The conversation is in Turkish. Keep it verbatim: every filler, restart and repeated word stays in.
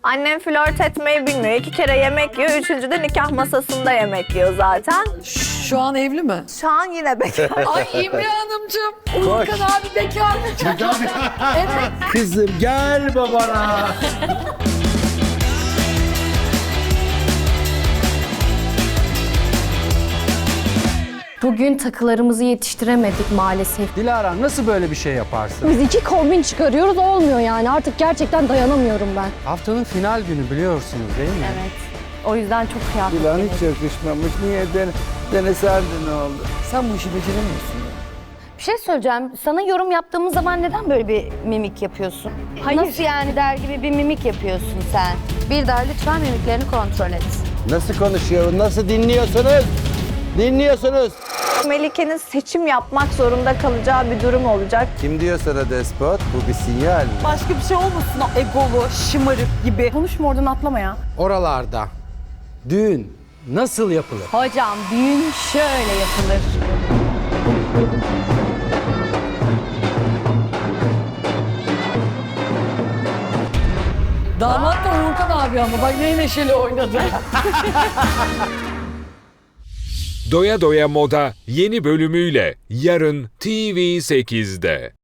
Annem flört etmeyi bilmiyor. İki kere yemek yiyor. Üçüncü de nikah masasında yemek yiyor zaten. Şu an evli mi? Şu an yine bekar. Ay İmre Hanımcığım. Uğurkan abi bekar mı? Evet. Kızım gel babana. Bugün takılarımızı yetiştiremedik maalesef. Dilara nasıl böyle bir şey yaparsın? Biz iki kombin çıkarıyoruz olmuyor yani. Artık gerçekten dayanamıyorum ben. Haftanın final günü biliyorsunuz değil mi? Evet. O yüzden çok kıyafet. Dilan hiç yakışmamış. Niye den deneserdi ne oldu? Sen bu işi beceremiyorsun. Bir şey söyleyeceğim. Sana yorum yaptığımız zaman neden böyle bir mimik yapıyorsun? Hayır. Nasıl yani der gibi bir mimik yapıyorsun sen? Bir daha lütfen mimiklerini kontrol et. Nasıl konuşuyor? Nasıl dinliyorsunuz? Dinliyorsunuz. Melike'nin seçim yapmak zorunda kalacağı bir durum olacak. Kim diyor sana despot? Bu bir sinyal mi? Başka bir şey olmasın o egolu, şımarık gibi. Konuşma oradan atlama ya. Oralarda düğün nasıl yapılır? Hocam düğün şöyle yapılır. Damat da Uğurkan abi ama bak ne neşeli oynadı. Doya Doya Moda yeni bölümüyle yarın T V sekizde.